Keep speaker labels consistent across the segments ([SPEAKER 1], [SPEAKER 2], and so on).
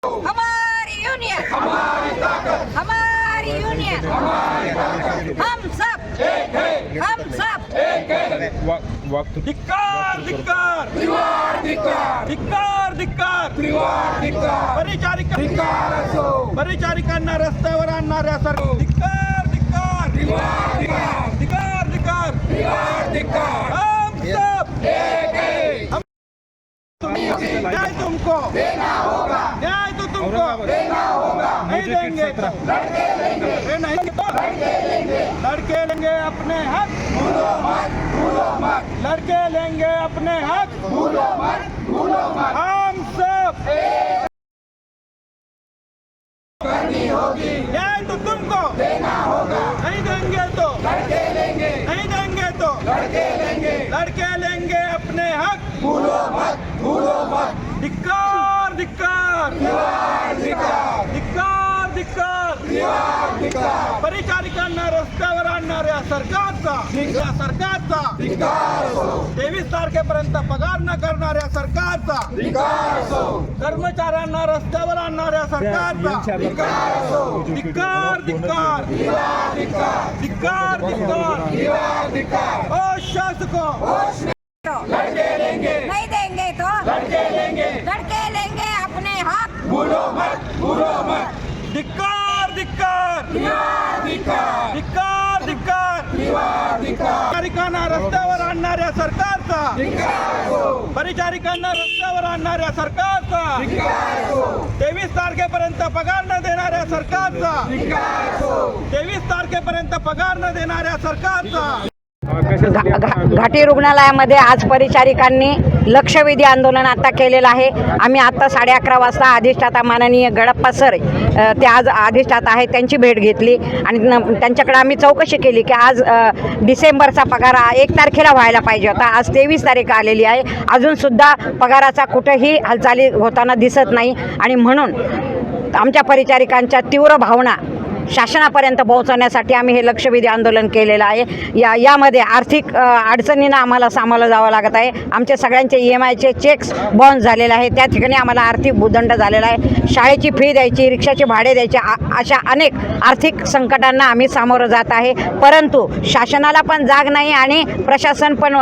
[SPEAKER 1] हमारी यूनियन हमारी ताकत, हमारी यूनियन हम सब एक है, हम सब एक है।
[SPEAKER 2] धिक्कार धिक्कार
[SPEAKER 3] त्रिवार धिक्कार,
[SPEAKER 2] धिक्कार धिक्कार
[SPEAKER 3] त्रिवार धिक्कार,
[SPEAKER 2] परिचारिकांना रस्त्यावर आणणाऱ्या सरकार धिक्कार धिक्कार
[SPEAKER 3] त्रिवार धिक्कार,
[SPEAKER 2] धिक्कार धिक्कार
[SPEAKER 3] त्रिवार धिक्कार।
[SPEAKER 2] हम सब
[SPEAKER 3] एक है,
[SPEAKER 2] न्याय तुमको
[SPEAKER 3] देना होगा,
[SPEAKER 2] न्याय तो तुमको
[SPEAKER 3] देना होगा।
[SPEAKER 2] नहीं देंगे तो
[SPEAKER 3] लड़के लेंगे,
[SPEAKER 2] ये नहीं तो
[SPEAKER 3] लड़के लेंगे,
[SPEAKER 2] लड़के लेंगे अपने हक,
[SPEAKER 3] भूलो मत, भूलो मत,
[SPEAKER 2] लड़के लेंगे अपने हक,
[SPEAKER 3] भूलो मत, भूलो मत।
[SPEAKER 2] हम सब
[SPEAKER 3] करनी होगी,
[SPEAKER 2] न्याय तो तुमको
[SPEAKER 3] देना होगा।
[SPEAKER 2] नहीं देंगे तो
[SPEAKER 3] लड़के लेंगे,
[SPEAKER 2] नहीं देंगे तो
[SPEAKER 3] लड़के लेंगे,
[SPEAKER 2] लड़के लेंगे अपने हक,
[SPEAKER 3] भूलो मत, भूलो मत।
[SPEAKER 2] धिक्कार धिक्कार
[SPEAKER 3] त्रिवार धिक्कार,
[SPEAKER 2] धिक्कार धिक्कार
[SPEAKER 3] त्रिवार धिक्कार,
[SPEAKER 2] परिचारिकांना रस्त्यावर आणणाऱ्या सरकारचा या सरकारचा
[SPEAKER 3] धिक्कार असो,
[SPEAKER 2] 23 तारखेपर्यंत पगार न करणाऱ्या सरकारचा
[SPEAKER 3] धिक्कार असो,
[SPEAKER 2] कर्मचाऱ्यांना रस्त्यावर आणणाऱ्या सरकारचा
[SPEAKER 3] धिक्कार असो,
[SPEAKER 2] धिक्कार धिक्कार
[SPEAKER 3] त्रिवार धिक्कार,
[SPEAKER 2] धिक्कार धिक्कार
[SPEAKER 3] त्रिवार धिक्कार।
[SPEAKER 2] ओ शासकों
[SPEAKER 3] लड़के लेंगे,
[SPEAKER 1] नहीं देंगे तो
[SPEAKER 3] लड़के लेंगे,
[SPEAKER 1] लड़के लेंगे अपने हक,
[SPEAKER 3] भूलो मत, भूलो मत।
[SPEAKER 2] धिक्कार धिक्कार
[SPEAKER 3] त्रिवार धिक्कार,
[SPEAKER 2] धिक्कार धिक्कार
[SPEAKER 3] त्रिवार धिक्कार,
[SPEAKER 2] परिचारिकांना रस्त्यावर आणणाऱ्या सरकारचा
[SPEAKER 3] धिक्कार असो,
[SPEAKER 2] परिचारिकांना रस्त्यावर आणणाऱ्या सरकारचा
[SPEAKER 3] धिक्कार असो,
[SPEAKER 2] 23 तारखेपर्यंत पगार न देणाऱ्या सरकारचा
[SPEAKER 3] धिक्कार असो।
[SPEAKER 2] 23 तारखेपर्यंत पगार न देणाऱ्या सरकारचा
[SPEAKER 4] घाटी रुग्णालयामध्ये आज परिचारिकांनी लक्षवेधी आंदोलन आता केलेलं आहे। आम्ही आता 11:30 वाजता अधिष्ठाता माननीय गडप्पा सर ते आज अधिष्ठाता आहेत त्यांची भेट घेतली आणि त्यांच्याकडे आम्ही चौकशी केली की आज डिसेंबरचा पगार 1 तारखेला व्हायला पाहिजे होता, आज 23 तारीख आलेली आहे, अजूनसुद्धा पगाराचा कुठेही हालचाली होताना दिसत नाही आणि म्हणून आमच्या परिचारिकांच्या तीव्र भावना शासनापर्यंत पोहोचवण्यासाठी आम्ही हे लक्षवेधी आंदोलन केलेलं आहे। यामध्ये आर्थिक अडचणींना आम्हाला सामोरं जावं लागत आहे। आमचे सगळ्यांचे EMIचे चेक्स बाउन्स झालेले आहे, त्या ठिकाणी आम्हाला आर्थिक भूदंड झालेला आहे, शाळेची फी द्यायची, रिक्षाचे भाडे द्यायचे, अशा अनेक आर्थिक संकटांना आम्ही सामोरं जात आहे। परंतु शासनाला पण जाग नाही आणि प्रशासन पण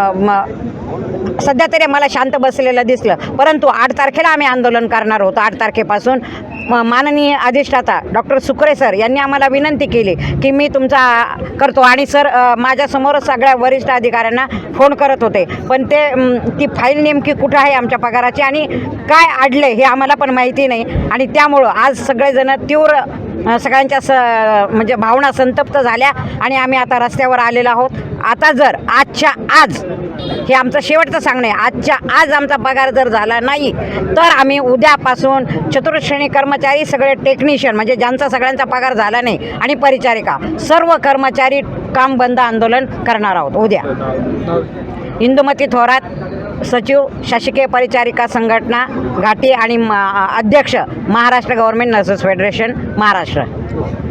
[SPEAKER 4] सध्या तरी मला शांत बसलेलं दिसलं, परंतु 8 तारखेला आम्ही आंदोलन करणार होतो। 8 तारखेपासून माननीय अधिष्ठाता डॉक्टर सुकरे सर यांनी आम्हाला विनंती केली की मी तुमचा करतो आणि सर माझ्यासमोरच सगळ्या वरिष्ठ अधिकाऱ्यांना फोन करत होते, पण ती फाईल नेमकी कुठं आहे आमच्या पगाराची आणि काय अडले हे आम्हाला पण माहिती नाही आणि त्यामुळं आज सगळेजण तीव्र सगळ्यांच्या म्हणजे भावना संतप्त झाल्या आणि आम्ही आता रस्त्यावर आलेलो आहोत। आता जर आजच्या आज हे आमचं शेवटचं सांगणं आहे, आजच्या आज आमचा पगार जर झाला नाही तर आम्ही उद्यापासून चतुर्श्रेणी कर्मचारी, सगळे टेक्निशियन म्हणजे ज्यांचा सगळ्यांचा पगार झाला नाही आणि परिचारिका सर्व कर्मचारी काम बंद आंदोलन करणार आहोत उद्या। इंदुमती थोरात, सचिव शासकीय परिचारिका संघटना घाटी आणि अध्यक्ष Maharashtra government nurses federation Maharashtra.